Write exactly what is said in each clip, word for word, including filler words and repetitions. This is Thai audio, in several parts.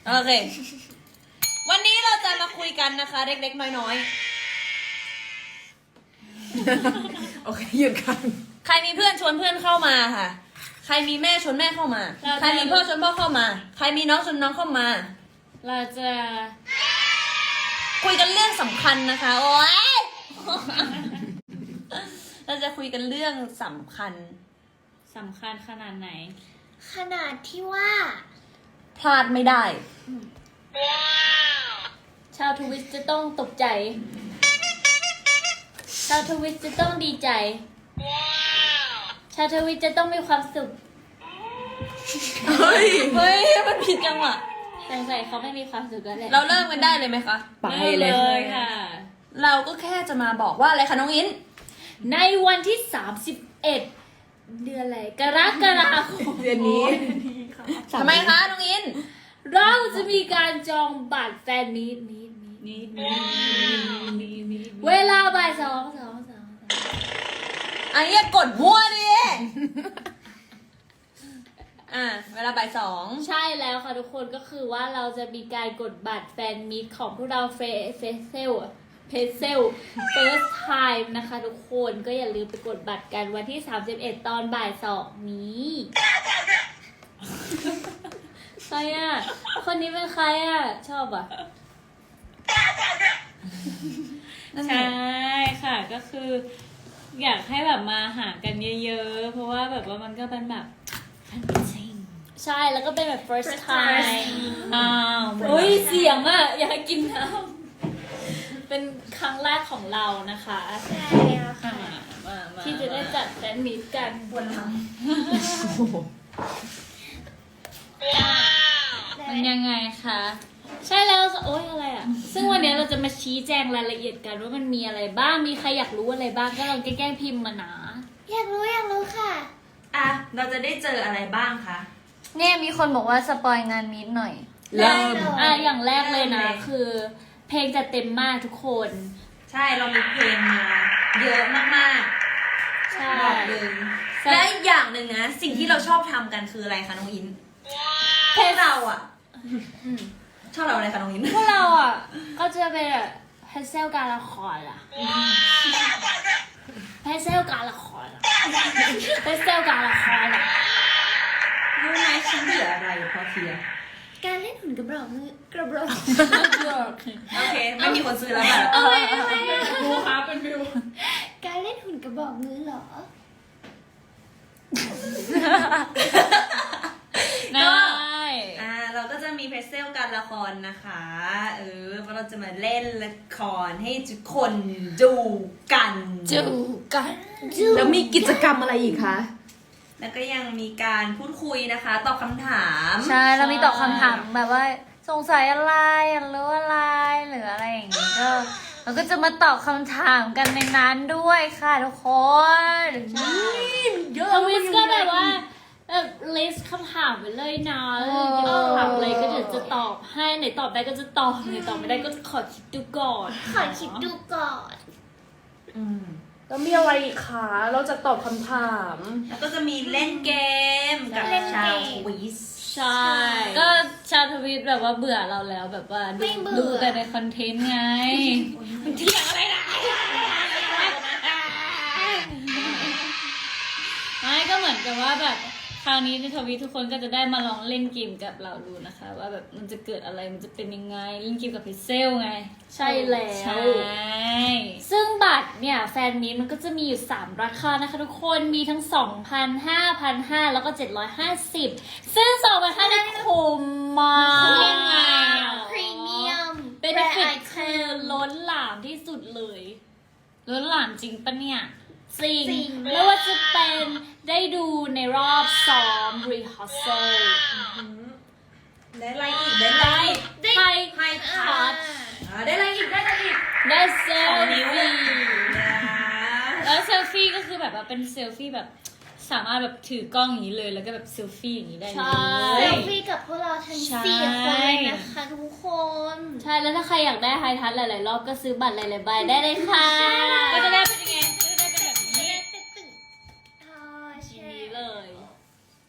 โอเค วันนี้เราจะมาคุยกันนะคะเล็กๆน้อยๆโอเคหยุดกันใครมีเพื่อนชวนเพื่อนเข้ามาค่ะ ใครมีแม่ชวนแม่เข้ามา ใครมีพ่อชวนพ่อเข้ามา ใครมีน้องชวนน้องเข้ามาเราจะคุยกันเรื่องสำคัญนะคะ โอ๊ย เราจะคุยกันเรื่องสำคัญสำคัญขนาดไหนขนาดที่ว่าพลาดไม่ได้ชาวทวิตจะต้องตกใจ ชาวทวิตจะต้องดีใจ ชาวทวิตจะต้องมีความสุขเฮ้ยเฮ้ย มันผิดจังหวะสงสัยเขาไม่มีความสุขกันแหละเราเริ่มกันได้เลยไหมคะไปได้เลเลย ยค่ะเราก็แค่จะมาบอกว่าอะไรคะน้องอินในวันที่สามสิบเอ็ดเดือนอะไรกรกฎาคมเดือนนี้ทำไมคะน้องอินเราจะมีการจองบัตรแฟนมีตมีตมีตมีตมีตมีตเวลาบ่ายสองสองสองอันนี้อย่ากดมั่วดิ อ่ะ เวลาบ่ายสองใช่แล้วค่ะทุกคนก็คือว่าเราจะมีการกดบัตรแฟนมีตของพวกเราเฟเฟเซลเพเซล first time นะคะทุกคนก็อย่าลืมไปกดบัตรกันวันที่สามสิบเอ็ดตอนบ่ายสองนี้ใครอ่ะ คนนี้เป็นใครอ่ะ ชอบอ่ะนั่นใชไง่ค่ะก็คือ อยากให้แบบมาหากันเยอะๆ เพราะว่าแบบว่ามันก็เป็นแบบ ใช่แล้วก็เป็นแบบ first time อ้าวโอ้ยเสียงอ่ะ อยากกินน้ำเป็นครั้งแรกของเรานะคะใช่แล้วค่ะมามาที่จะได้จัดแฟนมีตกันปวดหลังมันยังไงคะ ใช่แล้วโอ๊ยอะไรอ่ะ ซึ่งวันนี้เราจะมาชี้แจงรายละเอียดกันว่ามันมีอะไรบ้าง มีใครอยากรู้อะไรบ้างก็ลองแกล้งพิมพ์มานะอยากรู้อยากรู้ค่ะอ่ะ เราจะได้เจออะไรบ้างคะเนี่ยมีคนบอกว่าสปอยงานมีดหน่อยเริ่มอ่ะอย่างแรกเลยนะเริ่มเลยคือ เพลงจะเต็มมากทุกคนใช่ เรามีเพลงมา เยอะมากใช่ๆบอกเลยและอีกอย่างหนึ่งนะ สิ่งที่เราชอบทำกันคืออะไรคะน้องอินพวกเราอ่ะชอบเราอะไรคะน้องอินพวกเราอ่ะ ก็จะเป็นแบบเพเซลการละครอ่ะเพเซลการละครอ่ะเพเซลการละครอ่ะรู้ไหมฉันเบื่ออะไรพอเทียการเล่นหุ่นกระบอกมือกระบอกโอเค ไม่มีคนซื้อแล้วค่ะเอาไว้เอาไว้ดูค่ะเป็นวิวการเล่นหุ่นกระบอกมือเหรอได้อ่า เราก็จะมีเพรสเซลการละครนะคะ เออเพราะเราจะมาเล่นละครให้ทุกคนดูกันจูกันแล้วมีกิจกรรมอะไรอีกคะแล้วก็ยังมีการพูดคุยนะคะ ตอบคำถามใช่แล้วมีตอบคำถามแบบว่าสงสัยอะไรอยากรู้อะไรหรืออะไรอย่างงี้ก็เราก็จะมาตอบคำถามกันในนั้นด้วยค่ะทุกคนเยอะทวิสก็แบบว่าแบบลิสต์คำถามไปเลยนะแล้วอยากถามอะไรก็เดี๋ยวจะตอบให้ไหนตอบได้ก็จะตอบไหนตอบไม่ได้ก็ขอคิดดูก่อนขอคิดดูก่อนอืมแล้วมีอะไรอีกคะเราจะตอบคำถามแล้วก็จะมีเล่นเกมกับเล่นเกมชาวทวิสใช่ ก็ชาวทวิตแบบว่าเบื่อเราแล้วแบบว่าดูไม่เบื่อดูแต่ในคอนเทนต์ไงมันเที่ยงอะไรนะไม่ก็เหมือนกับว่าแบบคราวนี้ในทวิตทุกคนก็จะได้มาลองเล่นเกมกับเราดูนะคะ ว่าแบบมันจะเกิดอะไรมันจะเป็นยังไงเล่นเกมกับพิเซลไง ใช่แล้วใช่ซึ่งบัตรเนี่ยแฟนมีตมันก็จะมีอยู่สามราคานะคะทุกคนมีทั้ง สองพัน ห้าพันห้าร้อย แล้วก็ เจ็ดร้อยห้าสิบ ซึ่ง สองพันห้าร้อย นี่คุ้มมากพรีเมียมเป็นเฟกคือล้นหลามที่สุดเลย ล้นหลามจริงปะเนี่ยจริงจริงไม่ว่าจะเป็นได้ดูในรอบซ้อม rehearsal ได้อะไรอีก ได้อะไรอีกไทยไฮทัทัชชอ่าได้อะไรอีก ได้อะไรอีกได้เซลสองนิ้วฟี่นะแล้วเซลฟี่ก็คือแบบว่าเป็นเซลฟี่แบบสามารถแบบถือกล้องอย่างนี้เลยแล้วก็แบบเซลฟี่อย่างนี้ได้เลเซยลฟี่กับพวกเราทั้งใช่สี่คนเลยนะคะทุกคนใช่แล้วถ้าใครอยากได้ไฮทัชหลายๆรอบก็ซื้อบัตรหลายๆใบได้เลยค่ะก็จะได้เป็นยังไงก็จะได้เป็นแบบนี้อ๋อทีใช่นี้เลย ก็อย่า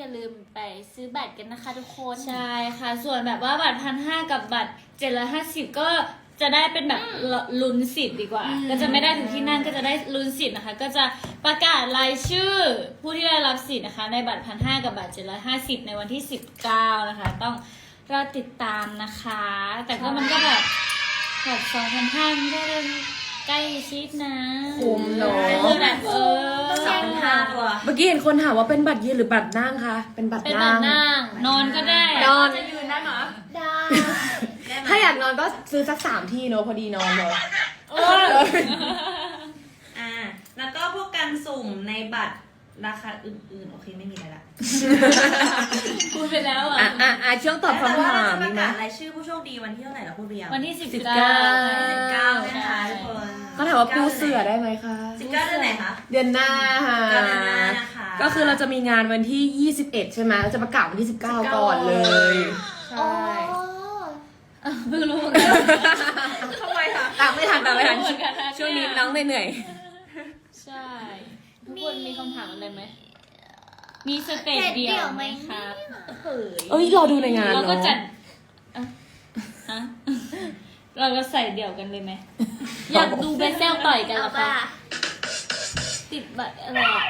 าลืมไปซื้อบัตรกันนะคะทุกคน ใช่ค่ะ ส่วนแบบว่าบัตรพันห้ากับบัตรเจ็ดร้อยห้าสิบก็จะได้เป็นแบบลุ้นสิทธิ์ดีกว่า ก็จะไม่ได้ถึงที่นั่นก็จะได้ลุ้นสิทธิ์นะคะ ก็จะประกาศรายชื่อผู้ที่ได้รับสิทธิ์นะคะ ในบัตรพันห้ากับบัตรเจ็ดร้อยห้าสิบในวันที่สิบเก้านะคะ ต้องรอติดตามนะคะ แต่ก็มันก็แบบแบบสองพันห้ามันก็เริ่มใกล้ชิดนะคุ้มเนอะคือแบบเออสองพันห้าตัวเมื่อกี้เห็นคนถามว่าเป็นบัตรยืนหรือบัตรนั่งคะเป็นบัตรเป็นแบบนั่งนั่งนอนก็ได้นอนจะยืนได้ไหมได้ได้ไหมถ้าอยากนอนก็ซื้อสักสามที่เนอะพอดีนอนเลยเอออ่า แล้วก็พวกการสุ่มในบัตรราคาอื่นๆ โอเคไม่มีอะไรละพูดไปแล้วอ่ะอ่ะอ่ะอ่ะช่วงตอบคำถามปมีระไหมกาศรายชื่อผู้โชคดีวันที่เท่าไหร่เราพูดเรียงวันที่สิบสิบเก้าเก้าสิบเก้านะคะทุกคนก็ถามว่าปูเสือได้ไหมคะสิบเก้าเดือนไหนคะเดือนหน้าค่ะเดือนหน้านะคะก็คือเราจะมีงานวันที่ยี่สิบเอ็ดใช่ไหมเราจะประกาศวันที่สิบเก้าก่อนเลยอ๋อเพิ่งรู้เหมือนกันทำไมคะตามไม่ทันตามไม่ทันเหมือนกันนะช่วงนี้น้องเหนื่อยใช่ ทุกคนมีคำถามอะไรไหม มีสเตจเดี่ยวไหมครับเฮ้ยเอ้ยรอดูในงานเราก็เนาะจัดอ่ะฮะเราก็ใส่เดี่ยวกันเลยไหม อยากดูเบสเซลต่อยกันเหรเอาอคะป่ะติดบัตรอะไรอ่ะ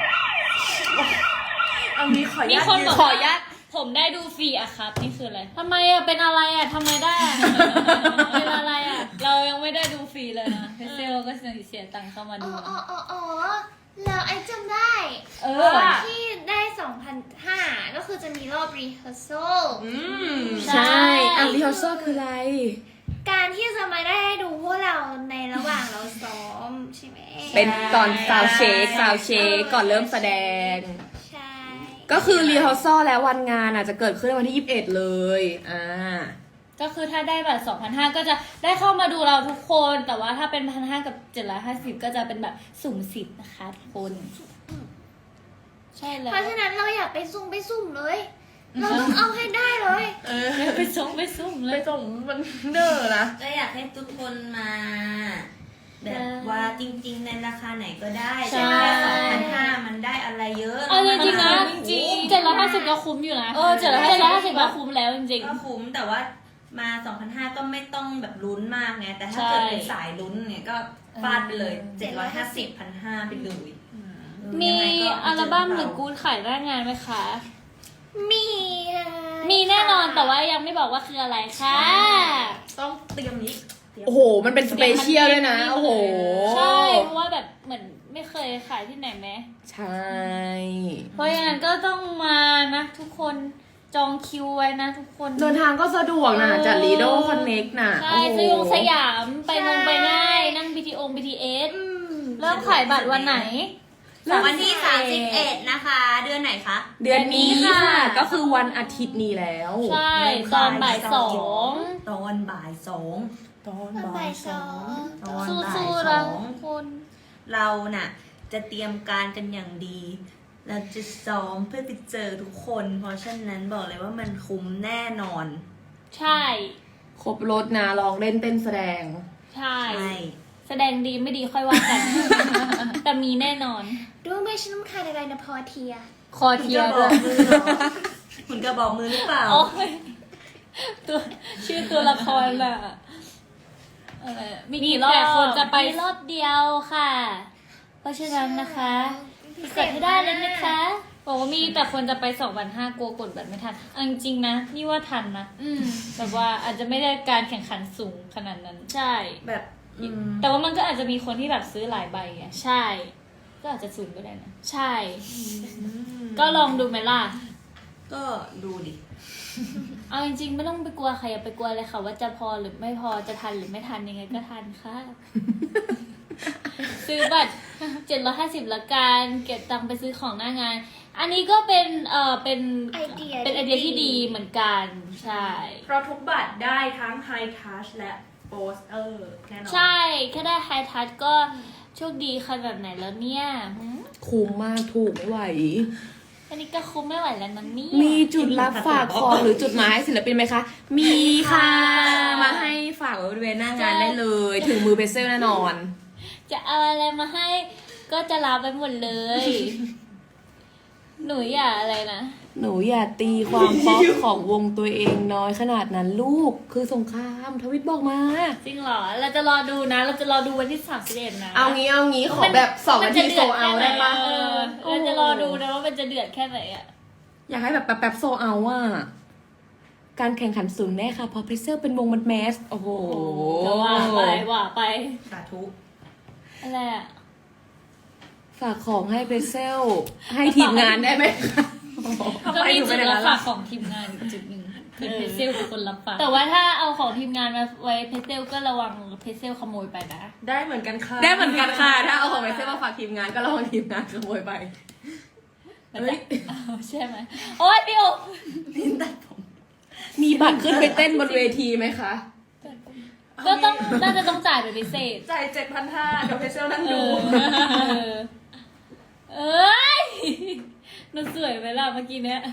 เอางี้ขออนุมีญาตคนยืบอกขออนุญาตผมได้ดูฟรีอะครับนี่คืออะไรทำไมอะเป็นอะไรอะทำไมได้อะ เป็นอะไรอะเรายังไม่ได้ดูฟรีเลยนะเพเซลก็เสียตังค์เข้ามาอ๋ดูออ๋ออ๋ออ๋อแล้วไอ้จำได้เออที่ได้สองพันห้าก็คือจะมีรอบ rehearsal อืมใช่อ่ะรีฮัลโซคืออะไรการที่จะมาได้ดูพวกเราในระหว่างเราซ้อมใช่ไหมเป็นตอนซาวเช็คซาวเช็คก่อนเริ่มแสดงใช่ก็คือรีฮัลโซแล้ววันงานอ่ะจะเกิดขึ้นวันที่ยี่สิบเอ็ดเลยอ่าก็คือถ้าได้บัตรสองพันห้าก็จะได้เข้ามาดูเราทุกคน แต่ว่าถ้าเป็นพันห้ากับเจ็ดร้อยห้าสิบก็จะเป็นแบบสุ่มสิทธิ์นะคะทุกคน ใช่แล้วเพราะฉะนั้นเราอยากไปซุ่มไปซุ่มเลย เราต้องเอาให้ได้เลยไปส่งไปสุ่มเลไปยส่งมันเด้อนะก็อยากให้ทุกคนมา แบบว่าจริงๆในราคาไหนก็ได้ใช่แต่แค่สองพันห้ามันได้อะไรเยอะเอาจริงๆนะจจริริงงเจ็ดร้อยห้าสิบก็คุ้มอยู่นะ เออเจ็ดร้อยห้าสิบก็คุ้มแล้วจริงก็คุ้มแต่ว่ามา สองพันห้าร้อย ก็ไม่ต้องแบบลุ้นมากไงแต่ถ้าใช่เกิดเป็นสายลุ้นเนี่ยก็ฟาดไปเลยเออเจ็ดร้อยห้าสิบ พันห้าไปเลยๆ มีอัลบั้มหรือกู๊ดขายหน้างานไหมคะมีค่ะมีแน่นอนแต่ว่ายังไม่บอกว่าคืออะไรค่ะต้องเตรียมนี้โอ้โห มันเป็นสเปเชียลด้วยนะ โอ้โหใช่เพราะว่าแบบเหมือนไม่เคยขายที่ไหนไหมใช่เพราะอย่างนั้นก็ต้องมานะทุกคนจองคิวไว้นะทุกคนเดินทางก็สะดวกนะเออจากลีโดคอนเน็กน่ะใช่โอ้โหสยองสยามไปมงไปง่ายนั่ง บี ที โอ บี ที เอสอืมเริ่มขายบัตรวันไหนวันที่สามสิบเอ็ดนะคะ เดือนไหนคะเดือนนี้เดือนนี้ค่ะค่ะก็คือวันอาทิตย์นี้แล้วใช่ตอนบ่ายสองตอนบ่ายสองตอนตอนบ่ายสองตอนบ่ายสู้สๆนะองทุกคนเราน่ะ จะเตรียมการกันอย่างดี เราจะซ้อมเพื่อไปเจอทุกคน เพราะฉะนั้นบอกเลยว่ามันคุ้มแน่นอนใช่ครบรถนะลองเล่นเต้นแสดงใช่ใช่แสดงดีไม่ดีค่อยว่ากัน แต่มีแน่นอนรู้ไหมฉันต้องการอะไรนะพอเทียคอคุณเทียจะร์บด้อวกยมือเหรอคุณจะบอกมือหรือเปล่าโอ้ยตัวชื่อตัวละครน่ะเออมีกี่รอบแต่คนจะไปรอบเดียวค่ะ เพราะฉะนั้นนะคะกดให้ได้เลยนะคะบอกว่ามีแต่คนจะไปสองวันห้ากลัวกดบัตรไม่ทันเอาจริงๆนะ นี่ว่าทันนะอืมแบบว่าอาจจะไม่ได้การแข่งขันสูงขนาดนั้น ใช่แบบอืมแต่ว่ามันก็อาจจะมีคนที่แบบซื้อหลายใบไงใช่ ก็อาจจะสูงก็ได้นะ ใช่ ก็ลองดูไหมล่ะก็ดูดิเอาจริงๆไม่ต้องไปกลัวใครอย่าไปกลัวเลยค่ะ ว่าจะพอหรือไม่พอจะทันหรือไม่ทันยังไงก็ทันค่ะ ซื้อบัตรเจ็ดร้อยห้าสิบละกันเก็บตังค์ไปซื้อของหน้างาน อันนี้ก็เป็นเอ่อเป็นไอเดียเป็นไอเดียที่ดีเหมือนกันใช่เพราะทุกบัตรได้ทั้งไฮทัชและโปสเตอร์แน่นอนใช่แค่ได้ไฮทัชก็โชคดีขนาดไหนแล้วเนี่ยหืมคุ้มมากถูกไม่ไหวอันนี้ก็คุ้มไม่ไหวแล้วนะเนี่ยมีจุดรับฝากของหรือจุดหมายให้ศิลปินไหมคะ มีค่ะ มาให้ฝากไว้บริเวณหน้างานได้เลย ถึงมือเพเซลแน่นอนจะเอาอะไรมาให้ก็จะรับไปหมดเลย หนูอย่าอะไรนะหนูอย่าตีความป๊อปของวงตัวเองน้อยขนาดนั้นลูกคือสงครามทวิตบอกมาจริงเหรอ เราจะรอดูนะ เราจะรอดูวันที่สามสิบเอ็ดนะเอางี้เอางี้ขอแบบสองนาทีโซเอาได้ปะเออเราจะรอดูนะว่ามันจะเดือดแค่ไหนอ่ะอยากให้แบบแป๊บๆโซเอาอ่ะการแข่งขันสูงแน่ค่ะเพอเพรสเซอร์เป็นวงมันแมสโอ้โหก็ว่าไปว่าไปสาธุอะไรอ่ะฝากของให้เพรสเซลให้ทีมงานได้ไหมคะก็มีจุดรับฝากของทีมงานอีกจุดหนึ่งคือเพเซลเป็นคนรับฝากแต่ว่าถ้าเอาของทีมงานมาไว้เพเซลก็ระวังเพเซลขโมยไปนะได้เหมือนกันค่ะได้เหมือนกันค่ะถ้าเอาของเพรสเซลมาฝากทีมงานก็ระวังทีมงานขโมยไปเฮ้ยใช่ไหมโอ๊ยพี่โอมีบัตรขึ้นไปเต้นบนเวทีไหมคะก็ต้องน่าจะต้องจ่ายเป็นพิเศษจ่ายเจ็ดพันห้าเดี๋ยวเพเซลนั่งเอดูอเอ้ยหนูสวยไหมล่ะเมื่อกี้เนี้ย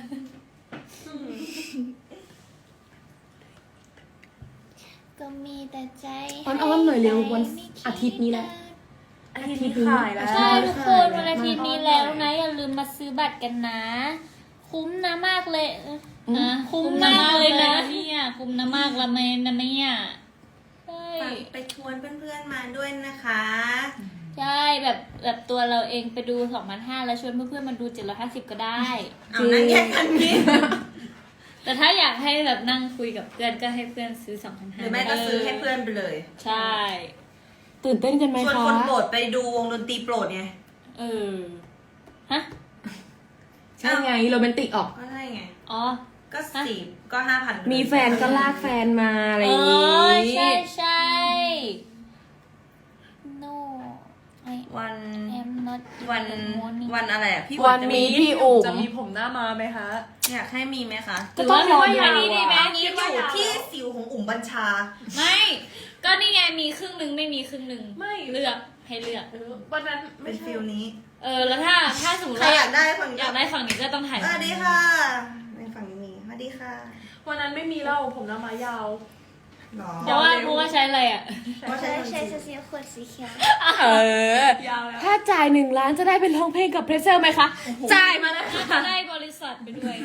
ก็มีแต่ใจอ้อนๆหน่อยเร็ววันอาทิตย์นี้แหละอาทิตย์นี้ขายแล้วใช่ทุกคนวันอาทิตย์นี้แล้วนะอย่าลืมมาซื้อบัตรกันนะ คุ้มนะมากเลยอ่ะคุ้มมากเลยนะเนี่ยคุ้มนะมากละเมนนะเนี่ยใช่ไปชวนเพื่อนๆมาด้วยนะคะใช่แบบแบบตัวเราเองไปดู สองพันห้าร้อย แล้วชวนเพื่อนๆมาดู เจ็ดร้อยห้าสิบ ก็ได้เอานั่งแยกกันนี่แต่ถ้าอยากให้แบบนั่งคุยกับเพื่อนก็ให้เพื่อนซื้อ สองพันหห้าร้อยรือไม่ก็ซื้อให้เพื่อนไปเลยใช่ตื่นเต้นกันไหมชวนคะคนโปรดไปดูวงดนตรีโปรดไงเออฮะใช่ไงโรแมนติกออกก็ได้ไงอ๋อก็สี่ก็ห้าพันมีแฟนก็ลากแฟนมาอะไรอเอย่างงี้อใช่ใช่ no I วัน am not วัน in the morning วันอะไรอ่ะพี่วันมีพี่อุ๋มจะมีผมหน้ามาไหมคะอยากให้มีไหมคะก็ต้องรอดูยาวนี่ดีไหมอันนี้อยู่ที่สิวของอุ๋มบัญชาไม่ ก็นี่ไงมีครึ่งหนึ่งไม่มีครึ่งหนึ่งไม่เลือกให้เลือกเออวันนั้นเป็ไม่นใช่ฟิลนี้เออแล้วถ้าถ้าสมมติใครว่าอยากได้ฝั่งอยากได้ฝั่งนี้ก็ต้องถ่ายสวัสดีค่ะในฝั่งนี้มีสวัสดีค่ะวันนั้นไม่มีเล่าผมหน้ามายาวหรอเพราะว่าเพราะว่าใช้อะไรอ่ะเพราะใช้ใช่คนใช่จีนสีขวดสีเขียวเออยาวแล้วถ้าจ่ายหนึ่งล้านจะได้เป็นร้องเพลงกับเพรสเซลไหมคะ จ่ายมาเลยน่าค่ะจะได้บริษัทไปด้วย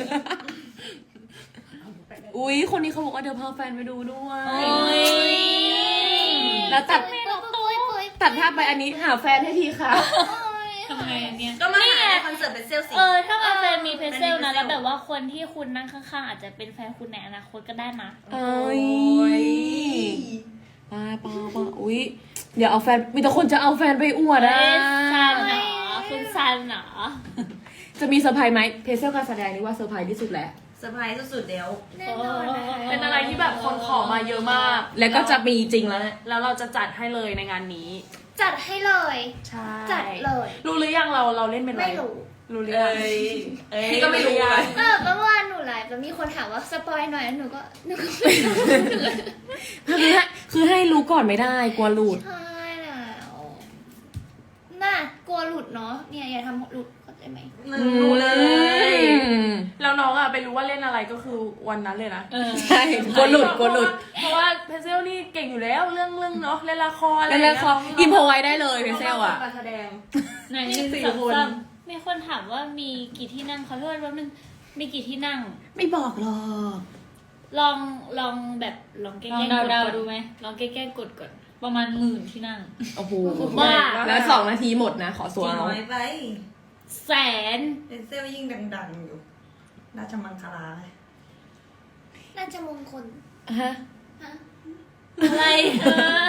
อุ๊ย คนนี้เขาบอกว่าเดี๋ยวพาแฟนไปดูด้วยโอ้ยแล้วตัดปุ้ยปุ้ยปุ้ยตัดภาพไปอันนี้หาแฟนให้ทีค่ะทำไงอันเนี้ยก็มาหาในคอนเสิร์ตเป็นเซลล์สิเออถ้ามาแฟนมีเพเซลนะเป็นเพเซลแล้วแบบว่าคนที่คุณนั่งข้างๆอาจจะเป็นแฟนคุณในอนาคตก็ได้นะเอ้ยป้าป้าป้าอุ๊ย เดี๋ยวเอาแฟน มีแต่คนจะเอาแฟนไปอวดเอ้อ่ะยซันเหรอคุณซันเหรอจะมีเซอร์ไพรส์ไหมเพรสเซลการแสดงนี่ว่าเซอร์ไพรส์ที่สุดแล้วเซอร์ไพรส์สุดๆเดี๋ยวแน่นอนนะคะเป็นอะไรที่แบบคนขอมาเยอะมากแล้วก็จะมีจริงแล้วนะแล้วเราจะจัดให้เลยในงานนี้จัดให้เลยใช่จัดเลยรู้หรือยังเราเราเล่นเป็นอะไรไม่รู้รู้หรือยังเอ้ยพี่ก็ไม่รู้เลยเออเมื่อวานหนูไลฟ์แล้วมีคนถามว่าสปอยหน่อยแล้วหนูก็หนูก็ไม่รู้คือให้คือให้รู้ก่อนไม่ได้กลัวหลุดใช่แล้วน่ากลัวหลุดเนาะเนี่ยอย่าทำหลุดเข้าใจไหมรู้เลยแล้วน้องอะไปรู้ว่าเล่นอะไรก็คือวันนั้นเลยนะเออใช่กลัวหลุดกลัวหลุดเพราะว่าเพเซลนี่เก่งอยู่แล้วเรื่องเรื่องเนาะเล่นละครอะไรแล้วแล้วเขาอินโพไว้ได้เลยเพรสเซลอ่ะการแสดงไหนหนึ่งสี่สองคนสามมีคนถามว่ามีกี่ที่นั่งขอโทษแป๊บนึงมีกี่ที่นั่งไม่บอกหรอกลองลองแบบลองแกล้งลองๆกดเดาก่อนๆดูไหมลองแกล้งๆกดก่อนประมาณหมื่นที่นั่งโอ้โหบ้าแล้วสองนาทีหมดนะ ขอจสัวริงเอาน้อยไปแสนเป็นเซลล์ยิ่งดังๆอยู่ราชมังคลาน่าจะมงคลฮะฮะอะไรเออ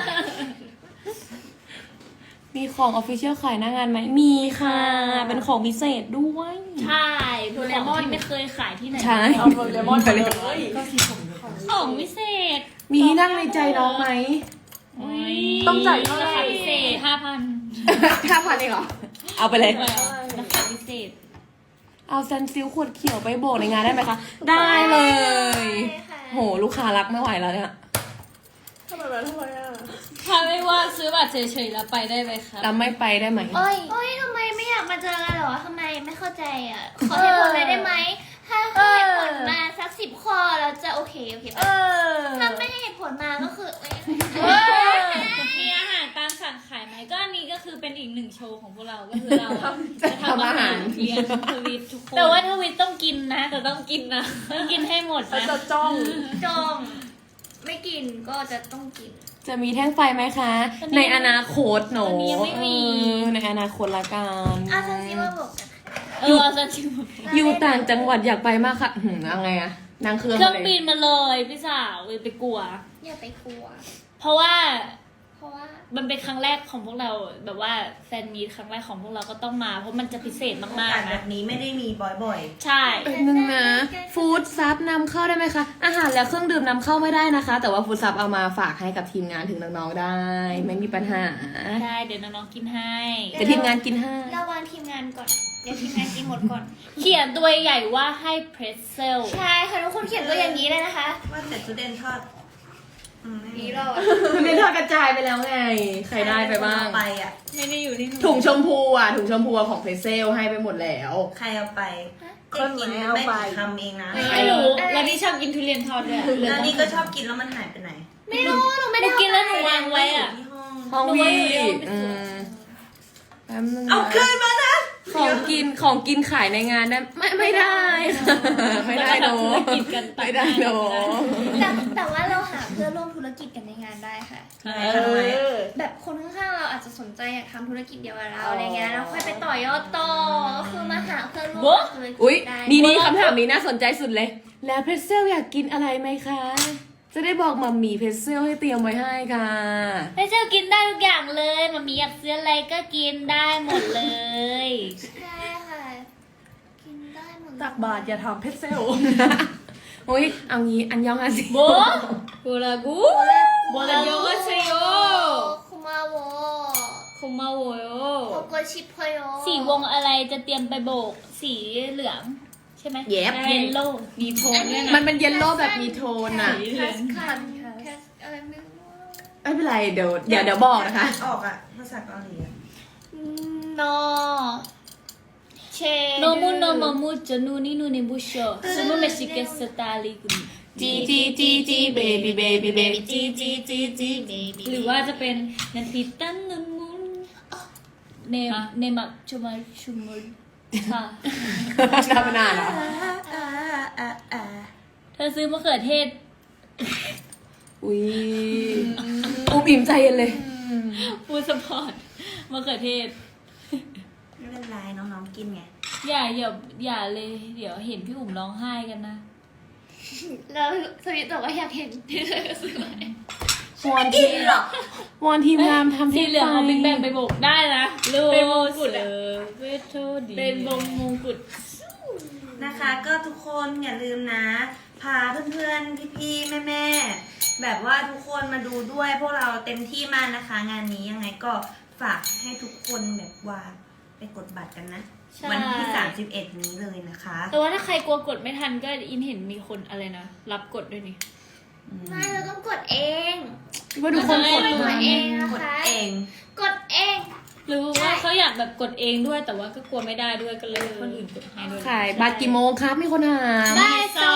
มีของออฟฟิเชียลขายหน้างานไหม มีค่ะ เป็นของพิเศษด้วยใช่เป็นของที่ไม่เคยขายที่ไหนใช่เอาโดเรมอนไปเลยของพิเศษมีที่นั่งในใจน้องไหมต้องจ่ายเท่าไหร่ราคาพิเศษห้าพันห้าพันเองเหรอ เอาไปเลยราคาพิเศษเอาซันซิลขวดเขียวไปโบกในงานได้ไหมคะ ได้เลย โห ลูกค้ารักไม่ไหวแล้วเนี่ยทำไมวะทำไมอะถ้าไม่ว่าซื้อบัตรเฉยๆแล้วไปได้ไหมครับแล้วไม่ไปได้ไหมโอ้ยโอ้ยทำไมไม่อยากมาเจอกันเหรอทำไมไม่เข้าใจอ่ะ ขอเหตุผลเลยได้ไหม ถ้าให้เหตุผลมาสักสิบข้อเราจะโอเคโอเคปะถ้าไม่ให้เหตุผลมาก็คือเอ้ยมีอาหารตามสั่งขายไหมก็อันนี้ก็คือเป็นอีกหนึ่งโชว์ของพวกเราก็คือเราอะจะทำอาหารเลี้ยงทวิตทุกคนแต่ว่าทวิตต้องกินนะแต่ต้องกินนะต้องกินให้หมดเขานะจะจ้องจองไม่กินก็จะต้องกินจะมีแท่งไฟไหมคะ ในอนาคตหนูตอนนี้ยังไม่มีเออในอนาคตละกันอาซันซิมาบอกกันเออซันชิมอยู่ต่างจังหวัดอยากไปมากค่ะหืมเอาไงอะนั่งเครื่องเครื่องมาบิเลยนมาเลยพี่สาวไปกลัวอย่าไปกลัวเพราะว่าเพราะว่ามันเป็นครั้งแรกของพวกเราแบบว่าแฟนมีตครั้งแรกของพวกเราก็ต้องมา เพราะมันจะพิเศษโอากมากสๆแบนะบนี้ไม่ได้มีบ่อยใช่เป็นนึงนะฟู้ดซับนำเข้าได้ไหมคะ อาหารและเครื่องดื่มนำเข้าไม่ได้นะคะ แต่ว่าฟู้ดซับเอามาฝากให้กับทีมงานถึงน้องๆได้ ไม่มีปัญหาใช่เดี๋ยวน้องๆกินให้แต่ทีมงานกินให้เราวางทีมงานก่อน เดี๋ยวทีมงานกินหมดก่อนเขียนตัวใหญ่ว่าให้เพรสเซลใช่ค่ะทุกคนเขียนตัวอย่างนี้เลยนะคะๆ ว่าแต่จุดเด่นทอดอืมไม่มีนี่เราอะมันเป็นทอดกระจายไปแล้วไง ใครได้ไปบ้างไปอ่ะไม่ได้อยู่ที่หนูถุงชมพูอ่ะ ถุงชมพูของเพรสเซลให้ไปหมดแล้วใครเอาไปคนเด็กกินไหนเอาไม่ไปกี่คำเองนะไม่รู้แล้วนี่ชอบกินทุเรียนทอดด้วยแล้วนี่ก็ชอบกินแล้วมันหายไปไหนไม่รู้หนูไม่หได้นูกินแล้วหนูวางไว้อะที่ห้องห้องหนูวีว่าหนูเอาไปอืส่งมแป๊บนึงเอานะคืนมานะของกินของกินขายในงานได้ไม่ไม่ได้ค่ะไม่ได้เนอะแล้วก็ทำธุรกิจกันต่างไม่ได้เนอะแต่แต่ว่าเราหาเพื่อนร่วมธุรกิจกันในงานได้ค่ะทำไมคะทำไมแบบคนข้างๆเราอาจจะสนใจอยากทำธุรกิจเดียวกับเราอะไรเงี้ยแล้วค่อยไปต่อยอดต่อก็คือมาหาเพื่อนร่วมธุรกิจอุ๊ยได้นี่นี่คำถามนี้น่าสนใจสุดเลย แล้วเพรสเซลอยากกินอะไรไหมคะ จะได้บอกมัมมี่เพรสเซลให้เตรียมไว้ให้ค่ะเพรสเซลกินได้ทุกอย่างเลยมามีอยากซื้ออะไรก็กินได้หมดเลยใช่ค่ะ กินได้หมดเลยตักบาทอย่าทำเพชรเซลโอ้ยเอางี้อันยองอาซิโบโบรากูโบราโยก็เซโยคุมาโวคุมาโวโยโกโกชิพโยสีวงอะไรจะเตรียมไปโบก สีเหลือง ใช่ไหมเย็บเยลโล่มีโทนด้วยมันะนเป็นเยลโล่แบบมีโทนอ่ะสีเหลืองคันแคสอะไรไม่รู้ไม่เป็นไรเดี๋ยวเดี๋ยวเดี๋ยวบอกนะคะออกอ่ะภาษาเกาหลีอะนอเชโนมุโนโมมุจะนูนี่นูนี่บุชโชซูโมเมชิเกสตาลิกุนจีจีจีจีเบบี้เบบี้เบบี้จีจีจีจีเบบี้หรือว่าจะเป็นนันทิตันนุนมุนเนมเนมักชุมาชุมุนค่ะทำมานานเหรออ่าอ่าอ่าเธอซื้อมะเขือเทศอุ้ยอุบอิ่มใจเย็นเลยฟูดสปอร์ตมะเขือเทศไม่เป็นไรน้องๆกินไงอย่าอย่าอย่าเลย เดี๋ยวเห็นพี่อุ๋มร้องไห้กันนะแล้วสวิตบอกว่าอยากเห็นที่เธอซื้อไว้วอนทีมวอนทีมงานทำสีเหลืองเอาบิ๊กแบงไปไปโบกได้นะเป็นมงกุฎอะเวทโทดีเป็นวงมงกุฎนะคะก็ทุกคนอย่าลืมนะ พาเพื่อนๆ พี่ๆ แม่ๆ แบบว่าทุกคนมาดูด้วยพวกเราเต็มที่มากนะคะ งานนี้ยังไงก็ฝากให้ทุกคนแบบว่าไปกดบัตรกันนะใช่วันที่สามสิบเอ็ดนี้เลยนะคะแต่ว่าถ้าใครกลัวกดไม่ทันก็อินเห็นมีคนอะไรนะ รับกดด้วยนี่ไม่เราต้องกดเองว่าทุกคนกดกมาดเองนะกดคะเองกดเองหรือว่าเขาอยากแบบกดเองด้วยแต่ว่าก็กลัวไม่ได้ด้วยก็เลยให้คนอื่นกดให้ด้วยขายบัตรกี่โมงครับมีคนถามบ่ายสอง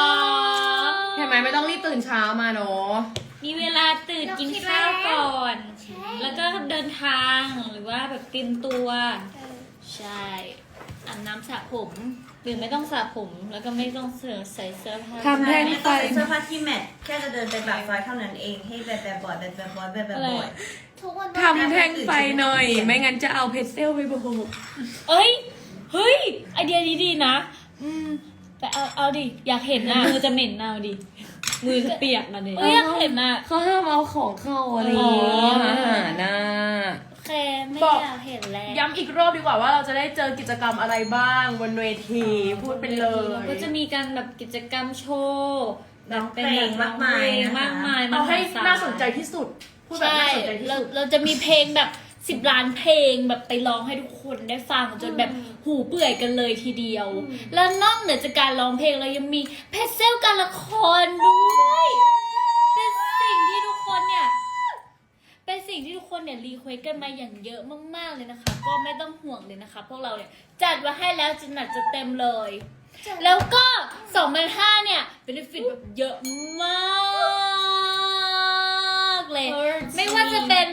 ใช่ไหมไม่ต้องรีบตื่นเช้ามาเนาะมีเวลาตื่นกินข้าวก่อนใช่แล้วก็เดินทางหรือว่าแบบเตรียมตัว ใช่อาบน้ำสระผมหรือไม่ต้องสระผมแล้วก็ไม่ต้องเสื้อใส่เสื้อผ้าทำแท่งไม่ไฟต้องใส่เสื้อผ้าที่แมทแค่จะเดินไปปากซอยเท่านั้นเองให้แบบแบบบ่อยแบบแบบบ่อยแบบแบบบ่อยทุกวันทำแท่งไฟหน่อย ไม่งั้นจะเอาเพชรเซลไปโบกเอ้ย เฮ้ย ไอเดียนี้ดีนะ อืมแต่เอาเอาดิ อยากเห็นนะมือจะเหม็นเอาดิ มือจะเปียกนะดิเอ้ยอยากเห็นนะเขาห้ามเอาของเข้าอะไรอย่างงี้อ๋ออาหารนะโอเคไม่บอกอยากเห็นแล้วย้ำอีกรอบดีกว่าว่าเราจะได้เจอกิจกรรมอะไรบ้างบนเวทีพูดไปเลยก็จะมีการแบบกิจกรรมโชว์แบบร้องเพลงมากมายนะคะมากมายเอาให้มศลน่าสนใจที่สุด พูดแบบใช่น่าสนใจที่เราสุดเราจะมีเพลงแบบสิบล้านเพลงแบบไปร้องให้ทุกคนได้ฟังจนแบบหูเปื่อยกันเลยทีเดียว แล้วนอกเหนือจากการร้องเพลงเรายังมีเพจเซลการละครด้วยเป็นสิ่งที่ทุกคนเนี่ยเป็นสิ่งที่ทุกคนเนี่ยรีเควสกันมาอย่างเยอะมากๆเลยนะคะ ก็ไม่ต้องห่วงเลยนะคะ พวกเราเนี่ยจัดมาให้แล้วจะหนักจะเต็มเลย แล้วก็สองพันห้าเนี่ยเป็นฟิตแบบเยอะมากเลย ไม่ว่าจะเป็นฮ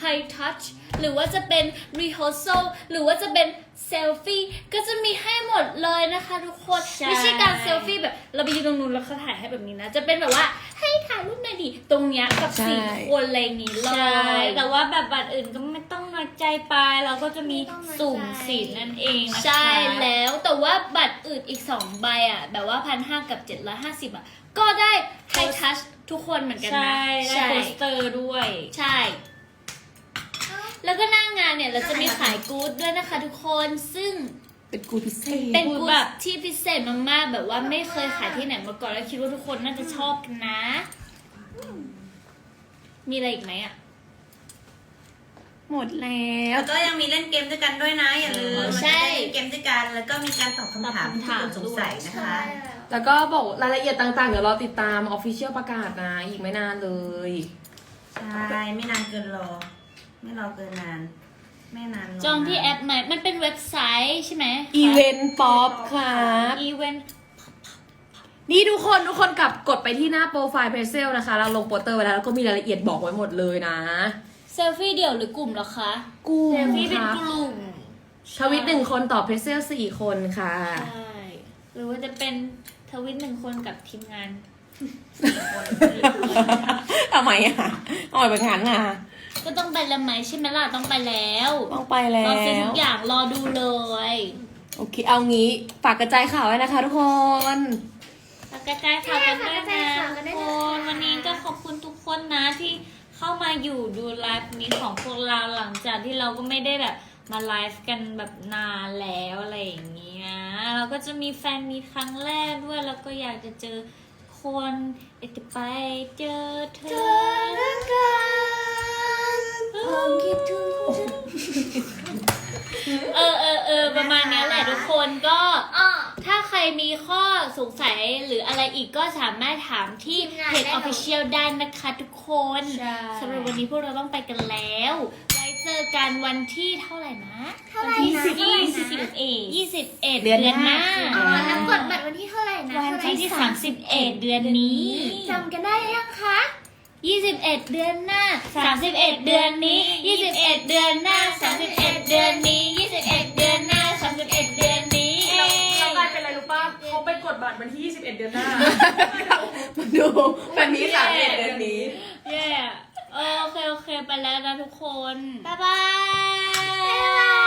high touch หรือว่าจะเป็น rehearsal หรือว่าจะเป็น selfie ก็จะมีให้หมดเลยนะคะทุกคนใช่ไม่ใช่การ selfie แบบเราไปยืนตรงนู้นแล้วเขาถ่ายให้แบบนี้นะ จะเป็นแบบว่าให้ถ่ายรูปหน่อยดิตรงเนี้ยกับสี่คนอะไรอย่างนี้เลใช่ยแต่ว่าแบบบัตรอื่นก็ไม่ต้องน้อยใจไปเราก็จะมีสุ่มสิทธิ์นั่นเองนะคะใช่แล้วแต่ว่าบัตรอื่นอีกสองใบอ่ะแบบว่าพันห้ากับเจ็ดร้อยห้าสิบอ่ะก็ได้ high touch ทุกคนเหมือนกันใช่นะได้โปสเตอร์ด้วยใช่ แล้วก็หน้างานเนี่ยเราจะมีขายกู๊ดด้วยนะคะทุกคนซึ่งเป็นกูพิเศษเป็นกู๊ดที่พิเศษมากๆแบบว่าไม่เคยขายที่ไหนมาก่อนแล้วคิดว่าทุกคนน่าจะชอบกันนะ มีอะไรอีกไหมอ่ะหมดแล้วแล้วก็ยังมีเล่นเกมด้วยกันด้วยนะ อย่าลืมใช่มันจะได้เล่นเกมด้วยกัน แล้วก็มีการตอบคำถามที่คุณสงสัยนะคะแล้วก็บอกรายละเอียดต่างๆ เดี๋ยวรอติดตามออฟฟิเชียลประกาศนะ อีกไม่นานเลยใช่ไม่นานเกินรอ ไม่รอเกินนาน ไม่นานรจองที่แอปไหมมันเป็นเว็บไซต์ใช่ไหมอีเวนต์ป๊อปครับอีเวนต์นี่ทุกคนทุกคนกลับกดไปที่หน้าโปรไฟล์เพจเซลนะคะ เราลงโปสเตอร์ไว้แล้ว แล้วก็มีรายละเอียดบอกไว้หมดเลยนะเซลฟี่เดี่ยวหรือกลุ่มเหรอคะกุ้งเซลฟี่เป็นครับกลุ่มทวิตหนึ่งคนต่อเพจเซลสี่คนค่ะใช่หรือว่าจะเป็นทวิตหนึ่งคนกับทีมงานทำไมอ่ะอ่อยแบบนั้นอ่ะก็ต้องไปแล้วไหมใช่ไหมล่ะต้องไปแล้วต้องไปแล้รอซื้อทุวกอย่างรอดูเลยโอเค เอางี้ฝากกระจายข่าวไว้นะคะทุกคนแล้วกระจายข่าวกันด้วยกระจานะยข่าวกันด้วยทุนะกคนคะวันนี้ก็ขอบคุณทุกคนนะที่เข้ามาอยู่ดูไลฟ์นี้ของพวกเราหลังจากที่เราก็ไม่ได้แบบมาไลฟ์กันแบบนานแล้วอะไรอย่างเงี้ยเราก็จะมีแฟนมีครั้งแรกด้วยแล้วก็อยากจะเจอคนอยากจะไปเจอเธอผมคิดถึงเออเออเออประมาณนี้แหละทุกคนก็อ้อถ้าใครมีข้อสงสัยหรืออะไรอีกก็สามารถถามที่ทีมงานเพจได้เลย Official ได้นะคะทุกคนใช่สำหรับวันนี้พวกเราต้องไปกันแล้ว ไว้เจอกันวันที่เท่าไหร่นะเท่าไหร่ที่นะสิบเท่าไหร่ยี่นะสิบเอ็ดยี่สิบเอ็ดเดืเดืออน นหหน้าน้าอ๋อน้ำกดบัตรวันที่เท่าไหร่นะวันเท่าไหร่ที่สามสิบเอ็ดเดือนนี้จำกันได้ยังคะยี่สิบเอ็ดเดือนหน้าสามสิบเอ็ดเดือนนี้ยี่สิบเอ็ดเดือนหน้าสามสิบเอ็ดเดือนนี้ยี่สิบเอ็ดเดือนหน้าสามสิบเอ็ดเดือนนี้เรากลายเป็นอะไรรู้ป่ะเขาไปกดบัตรวันที่ยี่สิบเอ็ดเดือนหน้ามาดูแบบนี้สามเอ็ดเดือนนี้เย้โอเคโอเคไปแล้วนะทุกคนบ๊ายบาย